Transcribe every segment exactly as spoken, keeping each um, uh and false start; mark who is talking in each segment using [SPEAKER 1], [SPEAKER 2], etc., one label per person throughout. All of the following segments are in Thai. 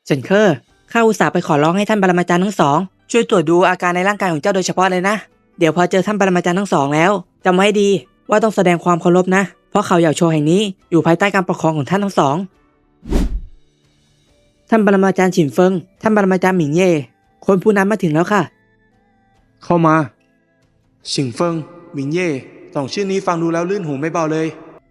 [SPEAKER 1] เฉินเคอร์ข้าอุตส่าห์ไปขอร้องให้ท่านปรมาจารย์ทั้งสองช่วยตรวจดูอาการในร่างกายของเจ้าโดยเฉพาะเลยนะเดี๋ยวพอเจอท่านปรมาจารย์ทั้งสองแล้วจำไว้ให้ดีว่าต้องแสดงความเคารพนะเพราะเขาเหย่าโชว์แห่งนี้อยู่ภายใต้การปกครองของท่านทั้งสองท่านปรมาจารย์ฉินเฟิงท่านปรมาจารย์หมิงเย่คนผู้นั้นมาถึงแล้วค่ะ
[SPEAKER 2] เข้ามาฉิงเฟิงหมิงเย่สองชื่อนี้ฟังดูแล้วลื่นหูไม่เบาเลย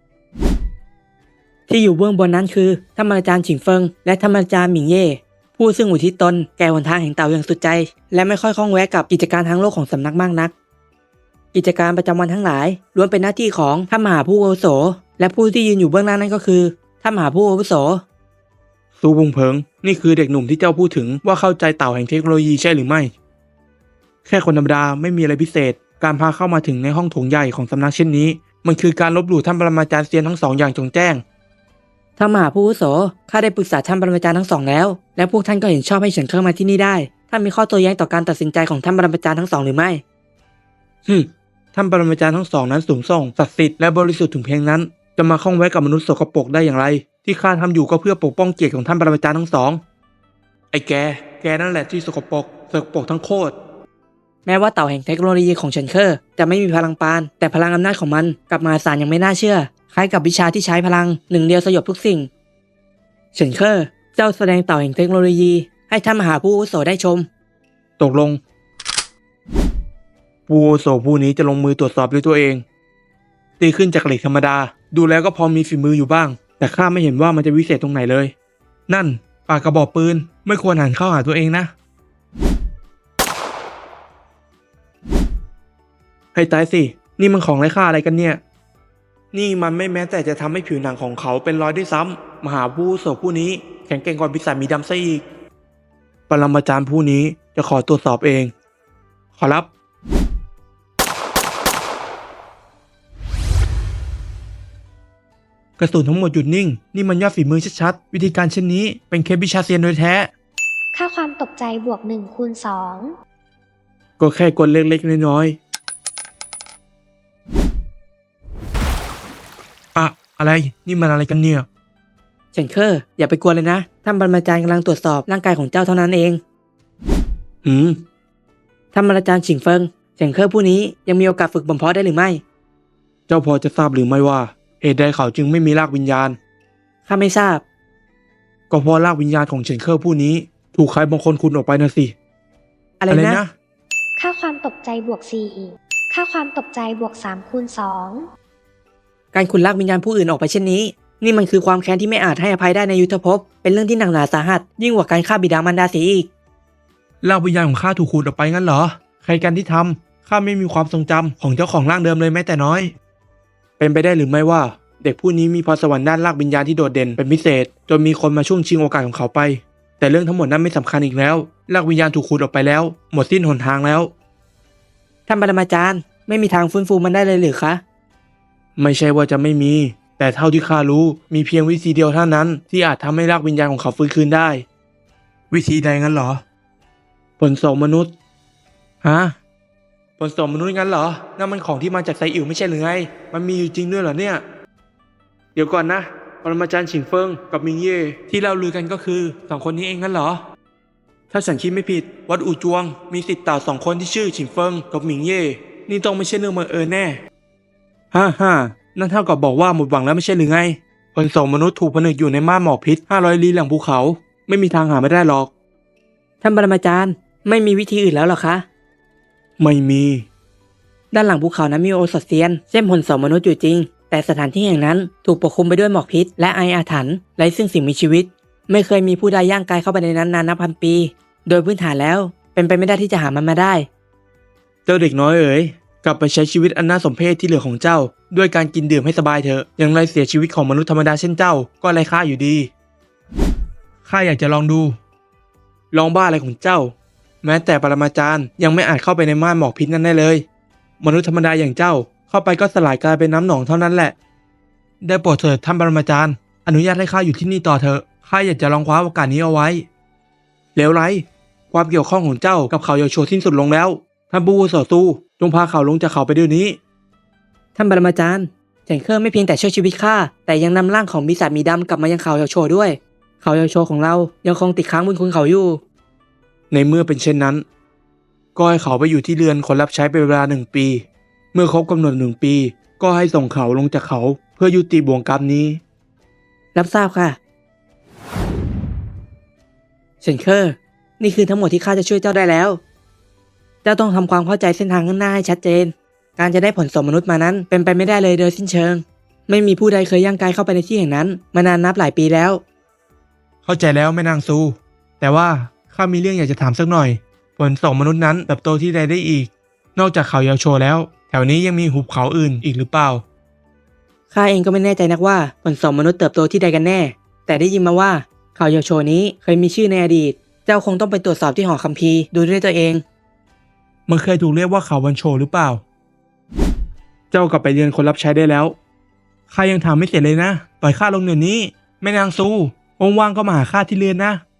[SPEAKER 1] ที่อยู่เบื้องบนนั้นคือท่านปรมาจารย์ฉิงเฟิงและท่านปรมาจารย์หมิงเย่ผู้ซึ่งอุทิศตนแก่หนทางแห่งเต่าอย่างสุดใจและไม่ค่อยคล่องแวะกับกิจการทางโลกของสำนักมากนักกิจการประจำวันทั้งหลายล้วนเป็นหน้าที่ของท่านมหาผู้อาวุโสและผู้ที่ยืนอยู่เบื้องหน้านั้นก็คือท่านมหาผู้อาวุโส
[SPEAKER 2] ซูบุงเพิงนี่คือเด็กหนุ่มที่เจ้าพูดถึงว่าเข้าใจเต่าแห่งเทคโนโลยีใช่หรือไม่แค่คนธรรมดาไม่มีอะไรพิเศษการพาเข้ามาถึงในห้องโถงใหญ่ของสำนักเช่นนี้มันคือการลบหลู่ท่านปรมาจารย์เซียนทั้งสองอย่างจงแจ้ง
[SPEAKER 1] ท่านมหาผู้อาวุโสข้าได้ปรึกษาท่านปรมาจารย์ทั้งสองแล้วและพวกท่านก็เห็นชอบให้เฉินเคิงมาที่นี่ได้ท่านมีข้อโต้แย้งต่อการตัดสินใจของท่านปรมาจารย์ทั้งสองหรือไม่
[SPEAKER 2] ฮึท่านปรมาจารย์ทั้งสองนั้นสูงส่งศักดิ์สิทธิ์และบริสุทธิ์ถึงเพียงนั้นจะมาข้องแวะกับมนุษย์สกปรกได้อย่างไรที่ข้าทำอยู่ก็เพื่อปกป้องเกียรติของท่านปรมาจารย์ทั้งสองไอ้แกแกนั่นแหละที่สกปรกสกปรกทั้งโคตร
[SPEAKER 1] แม้ว่าเต่าแห่งเทคโนโลยีของเฉินเคอร์จะไม่มีพลังปานแต่พลังอำนาจของมันกลับมหาศาลอย่างไม่น่าเชื่อคล้ายกับวิชาที่ใช้พลังหนึ่งเดียวสยบทุกสิ่งเฉินเคอร์เจ้าแสดงเต่าแห่งเทคโนโลยีให้ท่านมหาผู้อาวุโสได้ชม
[SPEAKER 2] ตกลงผู้อาวุโสผู้นี้จะลงมือตรวจสอบด้วยตัวเองตีขึ้นจากเหล็กธรรมดาดูแล้วก็พอมีฝีมืออยู่บ้างแต่ข้าไม่เห็นว่ามันจะวิเศษตรงไหนเลยนั่นปากกระบอกปืนไม่ควรหันเข้าหาตัวเองนะให้ตายสินี่มันของไร้ค่าอะไรกันเนี่ยนี่มันไม่แม้แต่จะทำให้ผิวหนังของเขาเป็นรอยด้วยซ้ำมหาผู้อาวุโสผู้นี้แข็งแกร่งกว่าปีศาจมีดำซะอีกปรมาจารย์ผู้นี้จะขอตรวจสอบเองขอรับกระสุนทั้งหมดหยุดนิ่งนี่มันยอดฝีมือชัดๆวิธีการเช่นนี้เป็นเคล็ดวิชาเซียนโดยแท้
[SPEAKER 3] ค่าความตกใจบวกหนึ่งคูณสอง
[SPEAKER 2] ก็แค่กลเล็กๆน้อยๆอะอะไรนี่มันอะไรกันเนี่ย
[SPEAKER 1] เฉินเคอร์อย่าไปกลัวเลยนะท่านปรมาจารย์กำลังตรวจสอบร่างกายของเจ้าเท่านั้นเอง
[SPEAKER 2] หืม
[SPEAKER 1] ท่านปรมาจารย์ฉิงเฟิงเฉินเคอร์ผู้นี้ยังมีโอกาสฝึกบ่มเพาะได้หรือไม่
[SPEAKER 2] เจ้าพอจะทราบหรือไม่ว่าเหตุใดเขาจึงไม่มีรากวิญญาณ
[SPEAKER 1] ข้าไม่ทราบ
[SPEAKER 2] ก็เพราะรากวิญญาณของเฉินเคอร์ผู้นี้ถูกใครบางคนขุดออกไปนะสิ
[SPEAKER 1] อะไรนะ
[SPEAKER 3] ค่าความตกใจบวกสี่ค่าความตกใจบวกสามคูณสอง
[SPEAKER 1] การขุดลากวิญญาณผู้อื่นออกไปเช่นนี้นี่มันคือความแค้นที่ไม่อาจให้อภัยได้ในยุทธภพเป็นเรื่องที่หนักหนาสาหัสยิ่งกว่าการฆ่าบิดามารดาเสียอีก
[SPEAKER 2] รากวิญญาณของข้าถูกขุดออกไปงั้นเหรอใครกันที่ทำข้าไม่มีความทรงจำของเจ้าของร่างเดิมเลยแม้แต่น้อยเป็นไปได้หรือไม่ว่าเด็กผู้นี้มีพรสวรรค์ด้านรากวิญญาณที่โดดเด่นเป็นพิเศษจนมีคนมาช่วงชิงโอกาสของเขาไปแต่เรื่องทั้งหมดนั้นไม่สำคัญอีกแล้วรากวิญญาณถูกขุดออกไปแล้วหมดสิ้นหนทางแล้ว
[SPEAKER 1] ท่านปรมาจารย์ไม่มีทางฟื้นฟูมันได้เลยหรือคะ
[SPEAKER 2] ไม่ใช่ว่าจะไม่มีแต่เท่าที่ข้ารู้มีเพียงวิธีเดียวเท่านั้นที่อาจทำให้รากวิญญาณของเขาฟื้นคืนได้วิธีใดงั้นเหรอผลโสมมนุษย์ฮะผลโสมมนุษย์งั้นเหรอนั่นมันของที่มาจากไซอิ๋วไม่ใช่หรือไงมันมีอยู่จริงด้วยเหรอเนี่ยเดี๋ยวก่อนนะปรมาจารย์ฉิงเฟิงกับมิงเย่ที่เราลือกันก็คือสองคนนี้เองงั้นเหรอถ้าฉันคิดไม่ผิดวัดอู่จวงมีศิษย์เต่าสองคนที่ชื่อฉิงเฟิงกับมิงเย่นี่ต้องไม่ใช่เรื่องบังเอิญแน่ฮ่าฮ่านั่นเท่ากับบอกว่าหมดหวังแล้วไม่ใช่หรือไงผลโสมมนุษย์ถูกผนึกอยู่ในม่านหมอกพิษห้าร้อยลี้หลังภูเขาไม่มีทางหาไม่ได้หรอก
[SPEAKER 1] ท่านปรมาจารย์ไม่มีวิธีอื่นแล้วหรอคะ
[SPEAKER 2] ไม่มี
[SPEAKER 1] ด้านหลังภูเขานั้นมีโอสถเซียนเช่นผลโสมมนุษย์อยู่จริงแต่สถานที่แห่งนั้นถูกปกคลุมไปด้วยหมอกพิษและไออาถรรพ์ไร้ซึ่งสิ่งมีชีวิตไม่เคยมีผู้ใดย่างกายเข้าไปในนั้นนานนับพันปีโดยพื้นฐานแล้วเป็นไปไม่ได้ที่จะหามันมาได้
[SPEAKER 2] เจ้าเด็กน้อยเอ๋ยกลับไปใช้ชีวิตอันน่าสมเพชที่เหลือของเจ้าด้วยการกินดื่มให้สบายเถอะอย่างไรเสียชีวิตของมนุษย์ธรรมดาเช่นเจ้าก็ไร้ค่าอยู่ดีข้าอยากจะลองดูลองบ้าอะไรของเจ้าแม้แต่ปรมาจารย์ยังไม่อาจเข้าไปในม่านหมอกพิษนั้นได้เลยมนุษย์ธรรมดาอย่างเจ้าเข้าไปก็สลายกลายเป็นน้ำหนองเท่านั้นแหละได้โปรดเถิดท่านปรมาจารย์อนุญาตให้ข้าอยู่ที่นี่ต่อเถอะข้าอยากจะลองคว้าโอกาสนี้เอาไว้เลวไรความเกี่ยวข้องของเจ้ากับเขาเหย่าโชว์สิ้นสุดลงแล้วท่านผู้อาวุโสสู้จงพาเขาลงจากเขาไปเดี๋ยวนี้
[SPEAKER 1] ท่านปรมาจารย์เฉินเคอร์ไม่เพียงแต่ช่วยชีวิตข้าแต่ยังนำร่างของปีศาจมีดำกลับมายังเขาเหย่าโชว์ด้วยเขาเยาวโชของเรายังคงติดค้างบุญคุณเขาอยู่
[SPEAKER 2] ในเมื่อเป็นเช่นนั้น ก็ให้เขาไปอยู่ที่เรือนคนรับใช้เป็นเวลาหนึ่งปี เมื่อครบกำหนดหนึ่งปี ก็ให้ส่งเขาลงจากเขาเพื่อยุติบ่วงกรรมนี้
[SPEAKER 1] รับทราบค่ะเฉินเคอร์นี่คือทั้งหมดที่ข้าจะช่วยเจ้าได้แล้ว เจ้าต้องทำความเข้าใจเส้นทางข้างหน้าให้ชัดเจน การจะได้ผลสมมนุษย์มานั้นเป็นไปไม่ได้เลยโดยสิ้นเชิง ไม่มีผู้ใดเคยย่างกายเข้าไปในที่แห่งนั้นมานานนับหลายปีแล้ว
[SPEAKER 2] เข้าใจแล้วแม่นางซู แต่ว่าข้ามีเรื่องอยากจะถามสักหน่อย ผลส่งมนุษย์นั้นเติบโตที่ใดได้อีก นอกจากเขาเยาวโชแล้ว แถวนี้ยังมีหุบเขาอื่นอีกหรือเปล่า
[SPEAKER 1] ข้าเองก็ไม่แน่ใจนักว่าผลสมมนุษย์เติบโตที่ใดกันแน่ แต่ได้ยินมาว่าข่าวเยาวโชนี้เคยมีชื่อในอดีต เจ้าคงต้องไปตรวจสอบที่หอคัมภีร์ดูด้วยตัวเอง
[SPEAKER 2] มันเคยถูกเรียกว่าเขาวันโชหรือเปล่า เจ้ากลับไปเรียนคนรับใช้ได้แล้ว ข้ายังทำไม่เสร็จเลยนะ ปล่อยข้าลงเดี๋ยวนี้ แม่นางซู ว่างๆก็มาหาข้าที่เรือนนะ